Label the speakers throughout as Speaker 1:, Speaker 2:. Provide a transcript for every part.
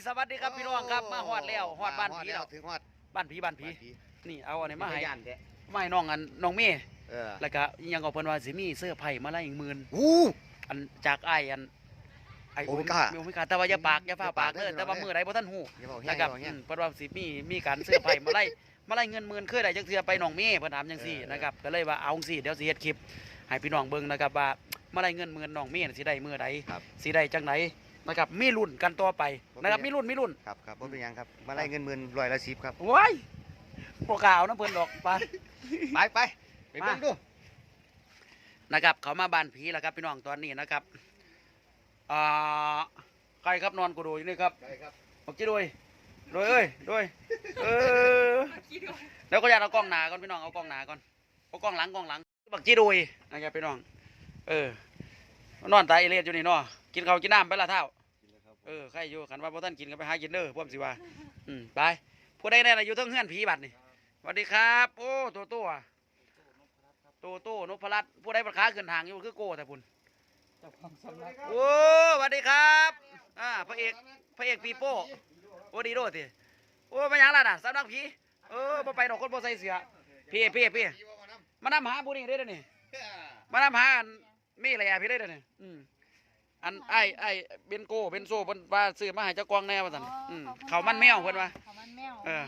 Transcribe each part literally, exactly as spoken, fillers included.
Speaker 1: สวัสดีครับพี่น้องครับมาฮอดแล้วฮอดบ้านผีแล้ว
Speaker 2: ถึงฮอด
Speaker 1: บ้านผีบ้านผีนี่เอาอันนี้มาให้
Speaker 2: ยันเด้
Speaker 1: มาให้น้องอันน้องเมย์
Speaker 2: เออ
Speaker 1: แล้วก็ยังเอาเพิ่นว่าสิมีเสื้อไผ่มาไล่อีกหมื่น
Speaker 2: อู้
Speaker 1: อันจากไอ้อันไอ้
Speaker 2: โอเมก้า
Speaker 1: โอเมก้าแต่ว่าอย่าปากอย่าฟ้าปากเด้อแต่ว่ามื้อใดบ่ทันฮู้
Speaker 2: อย่าบอก
Speaker 1: นะ
Speaker 2: แห้ง
Speaker 1: ครับ
Speaker 2: บอก
Speaker 1: อื
Speaker 2: แห้ง
Speaker 1: มเพิ่นว่าสิมีมีการเสื้อไผ่มาไล่มาไล่เงินหมื่นเคยได้จักเทื่อไปน้องเมย์เพิ่นถามจังซี่
Speaker 2: เออ
Speaker 1: นะครับก็เลยว่าเอาจังซี่เดี๋ยวสิเฮ็ดคลิปให้พี่น้องเบิ่งนะครับว่ามาไล่เงินหมื่นน้องเมย์สิได้มื้อใด
Speaker 2: ครับ
Speaker 1: สิได้จังไหนนะครับมีรุ่นกันต่อไปนะครับมีรุ่นมีรุ่น
Speaker 2: ครับครับบ่เป็นหยังครับมาไล่เงินหมื่นร้อยละสิบครับ
Speaker 1: ว้ายโปรกล่าวนะเพิ่นดอกไป
Speaker 2: ไปไปไปเบิ่งดู
Speaker 1: นะครับเขามาบ้านผีแล้วครับพี่น้องตอนนี้นะครับอ่าใครครับนอนกูดูอยู่นี่ครับ
Speaker 2: ได้ครับ
Speaker 1: บอกจีด้วยด้วยเอ้ยด้วยเออแล้วก็อยากเอากล้องหนาก่อนพี่น้องเอากล้องหนาก่อนเอากล้องหลังกล้องหลังบักจีด้วยนะครับพี่น้องเออนอนตายเอเลียดอยู่นี่เนาะกินข้าวกินน้ำไปละเท่าเออใครอยู่ขันว่าพ่อท่านกินก็ไปหากินเด้อพ่อมสิว่าอืมไปผู้ใดแน่ละอยู่ทั้งเฮือนผีบัดนี่สวัสดีครับโอ้ตัวตัวโตโต้นพรัตน์ผู้ใดประค้าขึ้นทางอยู่คือโก้แต่พุ่นโอ้สวัสดีครับอ่าพระเอกพระเอกปีโป้โอ้ดีโดสิโอ้ไม่ยังล่ะน่ะสำนักผีเออบ่ไปดอกคนบ่ใส่เสื้อพี่พี่พี่มานำหาผู้นี้ได้เด้อนี่มานำหาอันมีอะไรอ่ะพี่ได้เด้อนี่อืมอันไอ้ไอ้เบนโก้เบนโซ่เพิ่นว่าซื้อมาให้เจ้ากองแน่ว่าซั่นอืมเขามันแมวเพิ่นว่า
Speaker 3: เขามันแมว
Speaker 1: เออ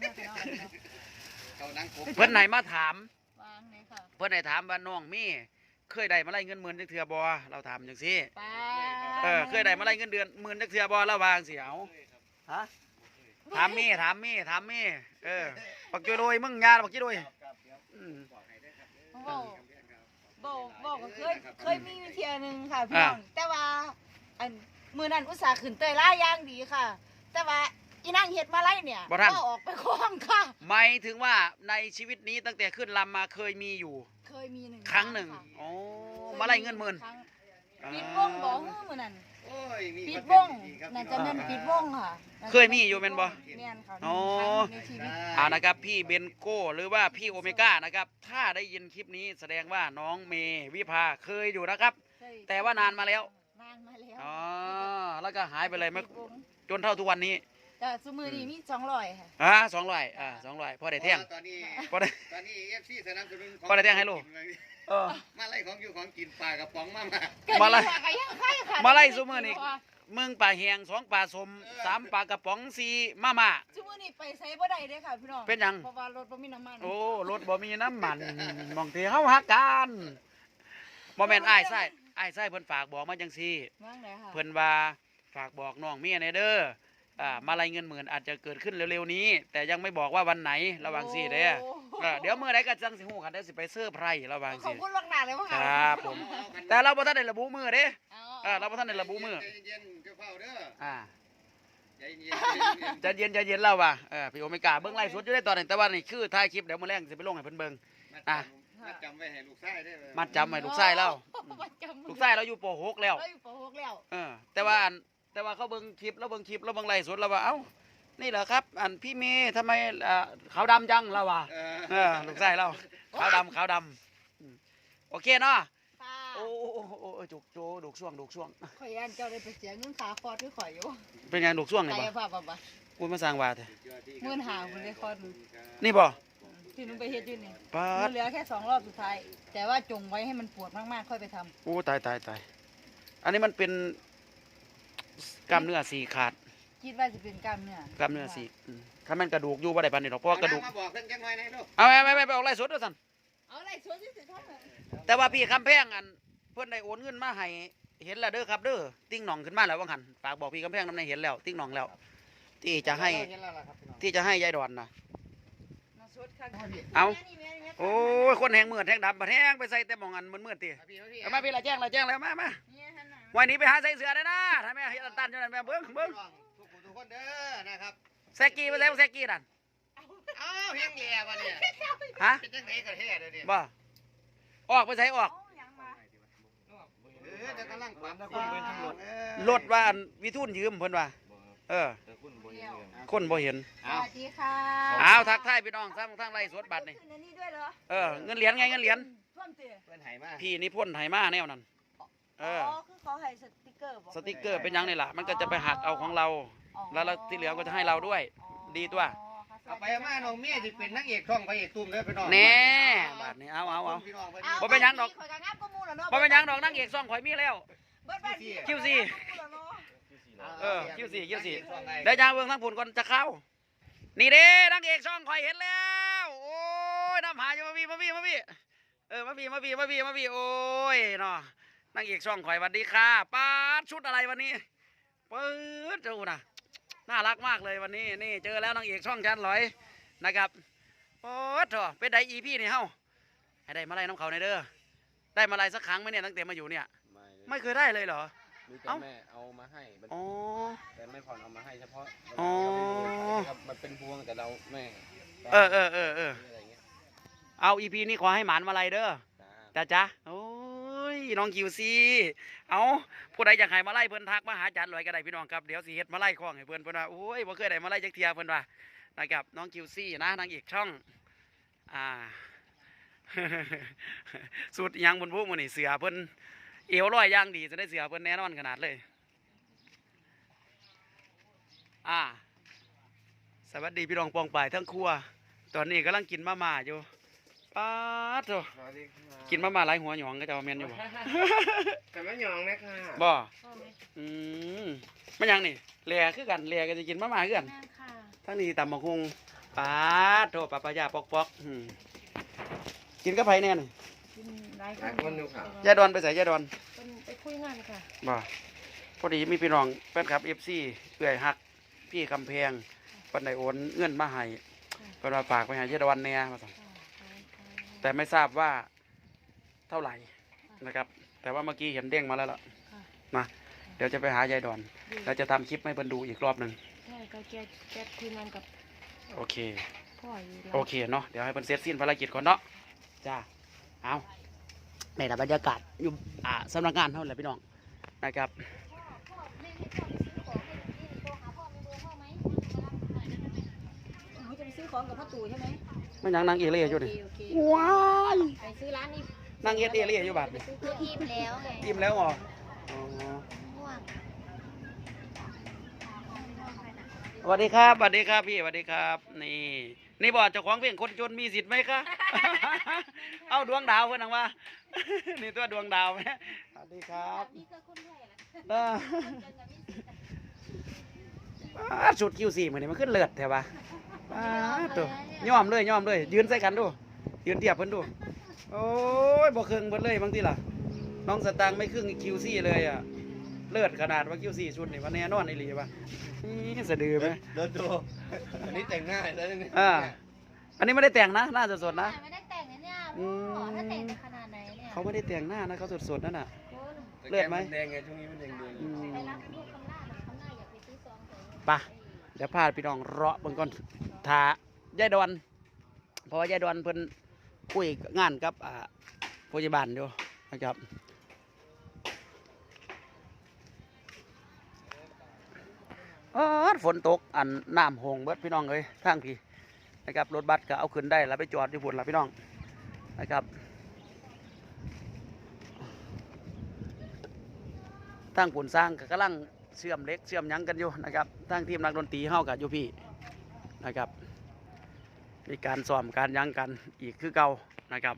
Speaker 2: เขานั่งครบ
Speaker 1: เพิ่นไหนมาถาม
Speaker 3: วางเลยค่ะ
Speaker 1: เพื่อนได้ถามว่าน้องมีเคยได้มาไล่เงินหมื่นจักเทื่อบ่เราถามจังซี่
Speaker 3: ป้า
Speaker 1: เออเคยได้มาไล่เงินเดือนหมื่นจักเทื่อบ่เราวาจั่งสิเอาฮะถามมีถามมีถามมีเออปักจุโดยมึงยาปักจุโดยอืม
Speaker 3: บอกบอกบอกก็เคยเคยมีวิธีหนึ่งค่ะพี่น้องแต่ว่าอันมือนั้นอุตส่าห์ขึ้นเตยล่าย่างดีค่ะ แต่ว่าอีนางเห็ดมาไล่เนี่ยก็ออกไปคล้องค่ะ
Speaker 1: หมายถึงว่าในชีวิตนี้ตั้งแต่ขึ้นลำมาเคยมีอยู่
Speaker 3: เคยมีหนึ่ง
Speaker 1: ครั้งหนึ่งโอ้มาไล่เงินหมื่น
Speaker 3: ปิดวงบอกมือนั้น
Speaker 2: โอ้ยมี
Speaker 3: ปิด
Speaker 2: คว
Speaker 3: ง
Speaker 2: ดีครับ
Speaker 3: นั่นจะเป็นปิดวงค่ะ
Speaker 1: เคยมีอยู่เป็นบ่
Speaker 3: แม่นค่ะ
Speaker 1: อ๋อ
Speaker 3: ในชีวิต
Speaker 1: อ่านะครับพี่เบนโก้หรือว่าพี่โอเมก้านะครับถ้าได้ยินคลิปนี้แสดงว่าน้องเมวิภาเคยอยู่นะครับ แต่ว่านานมาแล้ว
Speaker 3: นานมาแล้ว
Speaker 1: อ๋อแล้วก็หายไปเลยไม่
Speaker 3: ปิดวง
Speaker 1: จนเท่าทุกวันนี้
Speaker 3: แต่สมือนี้มีสองร้อยค่ะ
Speaker 1: อ่าสองร้อยอ่าสองร้อยพอได้แท่ง
Speaker 2: ตอนนี้
Speaker 1: พอได้
Speaker 2: ตอนนี้ เอฟ ซี สนับสนุนของ
Speaker 1: พอได้แท่งให้ลูก เออ
Speaker 2: มาไล่ของอยู่ของกินปลากระป๋องมามา
Speaker 1: มาไล่
Speaker 3: เกิดยังไงค่ะ
Speaker 1: มาไล่ซุมื้อนี้ มึงปลาแหงสองปลาสมสามปลากระป๋องสี่มาม่า
Speaker 3: ซุมื้อนี้ไปไสบ่ได้เด้อค่ะพี่น้อง
Speaker 1: เป็นหยัง
Speaker 3: เพราะว่ารถบ่มีน้ำมัน
Speaker 1: โอ้รถบ่มีน้ำมันมองที่เฮาหักกันบ่แม่นอ้ายไส้อ้ายไส้เพิ่นฝากบอกมาจังซี่
Speaker 3: ว่างไหนค่ะ
Speaker 1: เพิ่นว่าฝากบอกน้องเมียในเด้ออ่ามาไล่เงินหมื่นอาจจะเกิดขึ้นเร็วๆนี้ แต่ยังไม่บอกว่าวันไหนระวังสิเด้อเออเดี๋ยวมื้อใดก็จังสิฮู้กันเดี๋ยวสิไปเซอร์ไพรส์ระวัง
Speaker 3: ขอ
Speaker 1: สิ
Speaker 3: บคุณล่วงหน้าเลยว่า
Speaker 1: ค
Speaker 3: ค่ะ
Speaker 1: รับผมแต่เราบ่ทันได้ระบุมื้อเด้
Speaker 3: อ๋อ
Speaker 1: เออเราบ่ทันได้ระบุมื้อ
Speaker 2: ใจเย็นๆเจ้าเฝ้าเด้อ
Speaker 1: อ่า
Speaker 2: ใจเย็นๆใจเย็น
Speaker 1: ใจเย็นใจเย็นแล้วว่ะเออพี่โอเมก้าเบิ่งไลฟ์สดอยู่ได้ตอนนี้แต่ว่านี่คือถ่ายคลิปเดี๋ยวมื้อแรงสิไปลงให้เพิ่นเบิ่ง
Speaker 2: ๆมัด
Speaker 1: อ่ะ
Speaker 2: จำมัดจำไว้ให้ลูกชายได้อ
Speaker 1: มัดจำไว้ลูกชายเราอืม
Speaker 3: มัดจำ
Speaker 1: ลูกชายเราอยู่ป .หก แล้ว
Speaker 3: เราอยู่ปหกแล้ว
Speaker 1: เออแต่ว่าอันแต่ว่าเขาเบิ่งคลิปแล้วเบิ่งคลิปแล้วเบิ่งไลฟ์สดแล้วว่าเอ้านี่เหรอครับ อันพี่เมย์ทำไมอ่าขาวดำจังเราว่ะ
Speaker 2: เออ
Speaker 1: เออลูกชายเราขาวดำขาวดำอืมโอเคเนาะ
Speaker 3: ค่ะ
Speaker 1: โอ้โอ้โอ้โอ้โอ้จุกโจดุกช่วงดุกช่วง
Speaker 3: ข่อยยันเจ้าได้ไปเสียเงินขาคอที่ข่อยอยู่
Speaker 1: เป็นไงดุกช่วงนี่
Speaker 3: ไอ้
Speaker 1: บ่
Speaker 3: พ่อบ่บ่
Speaker 1: กูมาสร้างว่าแท้
Speaker 3: หมื่นห้าพุ่นได้คอหนึ่ง
Speaker 1: นี่บ่
Speaker 3: ที่หนูไปเฮ็ดอยู่นี่
Speaker 1: ปา
Speaker 3: มั
Speaker 1: ด
Speaker 3: นเหลือแค่สองรอบสุดท้าย แต่ว่าจงไว้ให้มันปวดมากๆค่อยไปทำ
Speaker 1: โอ้ตายตายตายอันนี้มันเป็นกล้ามเนื้อสี่ขาด
Speaker 3: คิดว่าจะเป็นกล้ามเนื้อก
Speaker 1: ล้ามเนื้อสี่อืมถ้ามันกระดูกอยู่บ่ได้ปานนี้หรอกเพราะว่ากระดูก
Speaker 2: มาบอกเพิ่นจังหน่อยนะลูก
Speaker 1: เอาไม่ไม่ไม่ไปออกไล่สดด้วยสัน
Speaker 3: เอาอะไรสวนที่สุดเท่านั้น
Speaker 1: แต่ว่าพี่คำแพงอันเพื่อนได้โอนเงินมาให้เห็นแล้วเด้อครับเด้อติ้งหน่องขึ้นมาแล้วว่าหันฝากบอกพี่คำแพงน้ำในเห็นแล้วติ้งหน่องแล้ว ที่จะให้
Speaker 2: เห็นแล้วล่ะครับพี่น้อง
Speaker 1: ที่จะให้ยายดอนนะ
Speaker 3: มาสดค่ะ
Speaker 1: เอาโอ้ยคนแหงมืดแหงดำบัดแหงไปใส่แต่หมองอันมันมืดตี
Speaker 2: มาพี่มาพี่
Speaker 1: เอามาพี่ละแจ้งละแจ้งแล้วมามา
Speaker 3: เนี่ยฮะนะ
Speaker 1: วันนี้ไปหาใส่เสือได้นะถ้าแม่เฮ็ดอันตันจังนั้นแม่เบิ้งเบิ้ง
Speaker 2: ทุกคนทุกคนเด้อนะครับ
Speaker 1: แซกกี้ไปใส่แซกกี้นั่น
Speaker 2: อ้าวเฮียงแย่วะเนี่ย
Speaker 1: ฮะ
Speaker 2: เป็นจังไหนกันแท้เด้อเนี่ย
Speaker 1: บ่ออกไปใส่ออก
Speaker 3: เอาหยังมา
Speaker 2: เออแต่กำลังปรับ
Speaker 1: รถว่าอันวิทูลยืมเพิ่นว่าเออ
Speaker 3: เดี๋ยว
Speaker 1: คนบ่เห็น
Speaker 3: สวัสดีค่ะ
Speaker 1: อ้าวทักทายพี่น้องทั้งทั้งไล่สดบัตรนี่
Speaker 3: ขึ้นอันนี้ด้วยเหรอ
Speaker 1: เออเงินเหรียญไงเงินเหรียญ
Speaker 3: ท่วมเตี๋ย
Speaker 2: เพิ่นให้มา
Speaker 1: พี่นิพนธ์ไหมาแนวนั้นเออ
Speaker 3: คือเขาให้สติกเกอร์บอก
Speaker 1: สติกเกอร์เป็นหยังนี่ล่ะมันก็จะไปหักเอาของเรา
Speaker 3: อ๋อ
Speaker 1: แล้วเราที่เหลือก็จะให้เราด้วย ดีตัว
Speaker 3: อ๋อค่ะ
Speaker 2: เอาไปมาน้องเมียสิเป็นนางเอกช่องพระเอกตุ้มเด้อพี่น้อง
Speaker 1: แน่บาดนี้เอาเอาเอา
Speaker 2: พี่น้องเพิ่น
Speaker 3: อา
Speaker 1: บ่เป็นหยังดอก
Speaker 3: ข่อยก็งามกว่าหมู่แล้วเนาะ
Speaker 1: บ่เป็นหยังดอกนางเอกซ่องข่อยมีแล้ว
Speaker 3: เบิดบ้านพี่
Speaker 1: คิวซี่
Speaker 3: ข่อยงามกว่าหมู่แล้วเนาะ
Speaker 1: เออคิวสี่คิวสี่
Speaker 2: นางเอกช่องไง
Speaker 1: เดี๋ยวยางเบิ่งทั้งผุนก่อนจะเข้า นี่เด้นางเอกช่องข่อยเห็นแล้ว โอ้ยน้ำหาอยู่มาพี่มาพี่มาพี่เออมาพี่มาพี่มาพี่มาพี่โอ้ยเนาะนางเอกช่องข่อยสวัสดีค่ะป้าดชุดอะไรวันนี้ปื๊ดดูนะน่ารักมากเลยวันนี้นี่เจอแล้วนางเอกช่องฉันลอยนะครับโอ้โถเป็นไดอีพี่นี่เฮ้าให้ได้มาไล่น้ำเขาในอยเด้อได้มาไล่สักครั้งไหมเนี่ยตั้งแต่มาอยู่เนี่ย
Speaker 4: ไม่เลย
Speaker 1: ไม่เคยได้เลยเหรอ
Speaker 4: มีแต่
Speaker 1: เอ้า
Speaker 4: แม่เอามาให้มัน
Speaker 1: อ๋อ
Speaker 4: แต่ไม่ผ่อนเอามาให้เฉพาะ
Speaker 1: อ๋อ
Speaker 4: ครับมันเป็นพวงแต่เราแม่
Speaker 1: เออเออเออเออ
Speaker 4: อะไรเงี้ย
Speaker 1: เอาอีพีนี้ขอให้หมานมาไล่เด้อ
Speaker 4: จ้า
Speaker 1: จ้าจ้าโอ้ยน้องคิวซีเอาผู้ใดอยากให้มาไล่เพิ่นทักมาหาอาจารย์ลอยก็ได้พี่น้องครับเดี๋ยวสิเฮ็ดมาไล่คล้องให้เพิ่นเพิ่นว่าโอ้ยบ่เคยได้มาไล่จักเทียเพิ่นว่านะครับน้องคิวซีนะนางเอกช่องอ่า สุดอิหยังบนพวกมื้อนี่เสือเพิ่นเอวร้อยอย่างดีจะได้เสือเพิ่นแน่นอนขนาดเลยอ่าสวัสดีพี่น้องปองป่ายทั้งครัวตอนนี้กำลังกินมาม่าอยู่ป๊าดโถ
Speaker 4: สวัสดีค่ะ
Speaker 1: กินมาม่าหลายหัวหยองก็จะเอาแมนอยู่บ่
Speaker 4: แต่ไม่หยองนะค่ะ
Speaker 1: บ่อืมมันหยังนี่แหล่คือกันแหล่ก็จะกินมาม่าคือกัน
Speaker 3: แม่ค่ะ
Speaker 1: ทั้งนี้ตำบักฮุงปาดโถปลาปลายาปอกปอกอืมกินกับไผแน่นี่
Speaker 3: กินหลาย
Speaker 4: หลายคนอยู่ค่ะ
Speaker 1: ยายดอนไปใส่ยายดอน
Speaker 3: เป็นไปคุยงานค่ะ
Speaker 1: บ่พอดีมีพี่น้องแฟนคลับ เอฟ ซี เอื้อยฮักพี่คำแพงเพิ่นได้โอนเงินมาให้เพิ่นว่าฝากไปให้ยายดอนแน่ว่าซั่นแต่ไม่ทราบว่าเท่าไหร่นะครับ แต่ว่าเมื่อกี้เห็นเด้งมาแล้วล่ะนะเดี๋ยวจะไปหายายดอนแล้วจะทำคลิปให้เพิ่นดูอีกรอบหนึง
Speaker 5: ใช่ก็แกแกคุยงานกับ
Speaker 1: โอเค
Speaker 5: พ่ออยู่แล้ว
Speaker 1: โอเคเนาะเดี๋ยวให้เพิ่นเสร็จสิ้นภารกิจก่อนเนาะจ้าเอาในบรรยากาศอยู่อ่าสำนักงานเท่าไหร่พี่น้องนะครับ
Speaker 3: หนูจะไปซื้อของกับพ่อตู่ใช่ไหม
Speaker 1: ไม่ยังนางเอเล่อยู่
Speaker 3: โอ
Speaker 1: นี่
Speaker 3: เคโอเค
Speaker 1: ว้าย
Speaker 3: ไปซื้อร้านนี้
Speaker 1: นางเอเอเล่อยู่บาดนี่
Speaker 3: คืออิ่มแล้วไง
Speaker 1: อิ่มแล้วเหรออ๋อ
Speaker 3: ง่วง
Speaker 1: สวัสดีครับสวัสดีครับพี่สวัสดีครับ นี่นี่บอกเจ้าของเพลงคนจนมีสิทธิ์ไหมคะ เอาดวงดาวเพื่อนนังว่า นี่ตัวดวงดาวไหมสวัสดีครับ
Speaker 3: นี่ก็คนแรก
Speaker 1: เอออ่าชุดคิวสี่เหมือนนี่มันขึ้นเลือดแถวะอ่าตัวย่อมเลยย่อมเลยยืนใส่กันดูยืนเทียบเพิ่นดูโอ้ยบ่ครึ่งเพิ่นเลยบางทีล่ะน้องสตางค์ไม่ครึ่งคิวสี่เลยอ่ะเลือดขนาดว่าคิวสี่ชุดนี่วันแน่นอนไอ้หลีป่ะนี่สะดือไหม
Speaker 2: เดินดูอันนี้แต่งหน้าแล้วนี่
Speaker 1: อ่าอันนี้ไม่ได้แต่งนะหน้าสดๆนะ
Speaker 3: ไม่ได้แต่งนะเนี่ย
Speaker 1: อืม
Speaker 3: ถ้าแต่งจะขนาดไหนเนี่ย
Speaker 1: เขาไม่ได้แต่งหน้านะเขาสดๆนั่นน่ะ
Speaker 3: คุณ
Speaker 1: เลือดไหม
Speaker 4: แดงไงช่วงนี้มันแดงแดง
Speaker 1: อืม
Speaker 3: ไปรับลูกคำล่าหรือคำล่าอยากไปซื้อซองแต่
Speaker 1: ไปเดี๋ยวพาพี่น้องเลาะเบิ่งก่อนทายายดอนเพราะว่ายายดอนเพิ่นคุยงานกับอ่าพยาบาลอยู่นะครับเออฝนตกอันน้ำหงเบิดพี่น้องเอ้ยทางพี่นะครับรถบัสก็เอาขึ้นได้แล้วไปจอดอยู่พุ่นละพี่น้องนะครับทางปุ่นสร้างก็กำลังเชื่อมเหล็กเชื่อมหยังกันอยู่นะครับทางทีมนักดนตรีเฮากับอยู่พี่นะครับมีการซ้อมการหยังกันอีกคือเก่านะครับ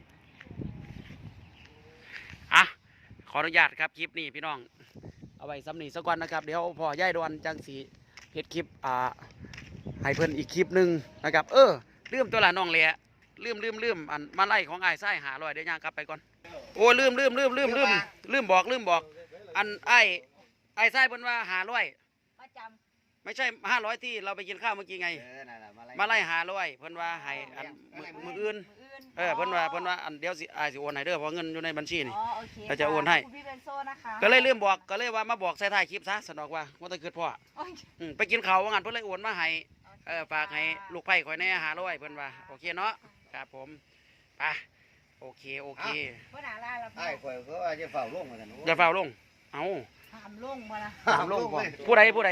Speaker 1: อ่ะขออนุญาตครับคลิปนี้พี่น้องเอาไว้ซ้ำนี้สักวันนะครับเดี๋ยวพอย่ายดวนจังสีเพจคลิปอ่าให้เพิ่นอีกคลิปหนึ่งนะครับเออลืมตัวละน้องเละลืมลืมลืมอันมาไล่ของไอ้ไส้หาลอยเดี๋ยวย่างกลับไปก่อนโอ้ลืมลืมลืมลืมลืมลืมบอกลืมบอกอันไอ้ไอ้ไส้เพิ่นว่าหาร้อย
Speaker 3: มาจ
Speaker 1: ไม่ใช่ห้าร้อยที่เราไปกินข้าวเมื่อกี้ไง
Speaker 2: เออนั่นแหละมาไล่
Speaker 1: มาไล่หาร้อยเพิ่นว่าให้อันมือมืออื่น
Speaker 3: ำมืออื่น
Speaker 1: เออเพิ่นว่าเพิ่นว่าอันเดี๋ยวสิอายสิโอนให้เด้อเพราะเงินอยู่ในบัญชีนี่
Speaker 3: อ๋อโอเค
Speaker 1: เราจะโอนให้
Speaker 3: คุณพี่เบนโซนะคะ
Speaker 1: ก็เลยลืมบอกก็เลยว่ามาบอกใส่ท้ายคลิปซะสนอกว่าว่าแตะเกิดพ่อ
Speaker 3: โอ้ย
Speaker 1: อืมไปกินข้าวว่างั้นเพิ่นเลยโอนมาให้เออฝากให้ลูกไผ่ข่อยแหน่หาร้อยเพิ่นว่าโอเคเนาะครับผมไปโอเคโอเค
Speaker 3: ว่าหนาลาแล้ว
Speaker 2: ไอ้ข่อยก็ว่าจะเฝ้าลงมากัน
Speaker 1: อย่าเฝ้าลงเอา
Speaker 3: ถามลงมาละ
Speaker 1: ถามลงก่อนผู้ใดผู้ใด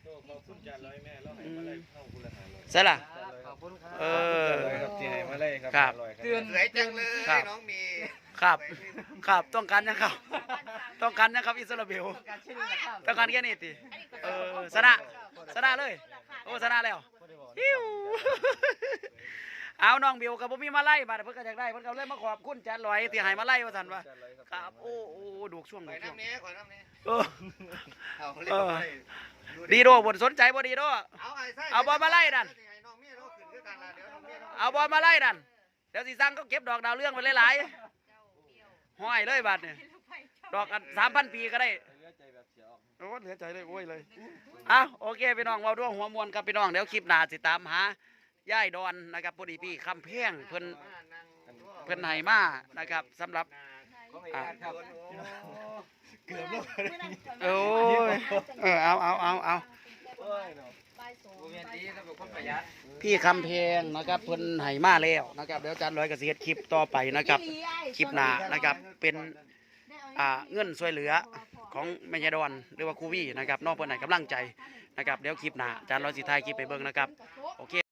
Speaker 1: ใช่ล่ะ
Speaker 4: ขอบคุณครับ
Speaker 1: เออ
Speaker 4: ครับที่ให้มาเลยครับ
Speaker 1: ครับ
Speaker 4: อร่อยครับ
Speaker 2: เตือนสวยจังเลย
Speaker 1: ครับ
Speaker 2: น้องมี
Speaker 1: ครับครับต้องการยังครับ ต้องการยังครับอิสราเอลต้องการแค่นี้ติเออสนะ
Speaker 2: ข่อย
Speaker 1: ชนะเลยโอ้ชนะแล้วฮิวเอาน้องบิวกับผมมีมาไล่บัดเพิ่นก็อยากได้เพิ่นก็เลยมาขอบคุณจันลอยที่ให้มาไล่ว่าซั่นว่าครับโอ้โอ้ดูช่วง
Speaker 2: ไป
Speaker 1: ดูช่วง
Speaker 2: น้ำนี้ขอน้ำนี้
Speaker 1: เออ
Speaker 2: เอาเล่นไป
Speaker 1: ดีโดบ่สนใจบ่ดีโด
Speaker 2: เอาไอ้ไส้
Speaker 1: เอาบอลมาไล่นั่น
Speaker 2: น้องเมียเราขึ้นด้วยกันละเดี๋ยวน้องเมียเรา
Speaker 1: เอาบอลมาไล่นั่นเดี๋ยวสิสั่งก็เก็บดอกดาวเรื่องไปหลายๆห้อยเลยบัดนี่ดอกกันสามพันปีก็ได้โอ้เหลือใจเลยโอ้ยเลยอ่ะโอเคพี่น้องเว้าด้วยหัวมวนครับพี่น้องเดี๋ยวคลิปหน้าสิตามหาย่ายดอนนะครับพอดีพี่คำแพงเพิ่นเพิ่นให้มานะครับสำหรับอ่า
Speaker 2: เกือบแล้ว
Speaker 1: โอ้ยเออเอาเอาเอาเอาพี่คำแพงนะครับเพิ่นให้มาแล้วนะครับเดี๋ยวอาจารย์ร้อยก็สิเฮ็ดคลิปต่อไปนะครับคลิปหน้านะครับเป็นอ่าเงินช่วยเหลือของแม่ยายดอนหรือว่าครูวี่นะครับน้องเพิ่นให้กำลังใจนะครับเดี๋ยวคลิปหน้าอาจารย์ร้อยสิถ่ายคลิปไปเบิ่งนะครับโอเค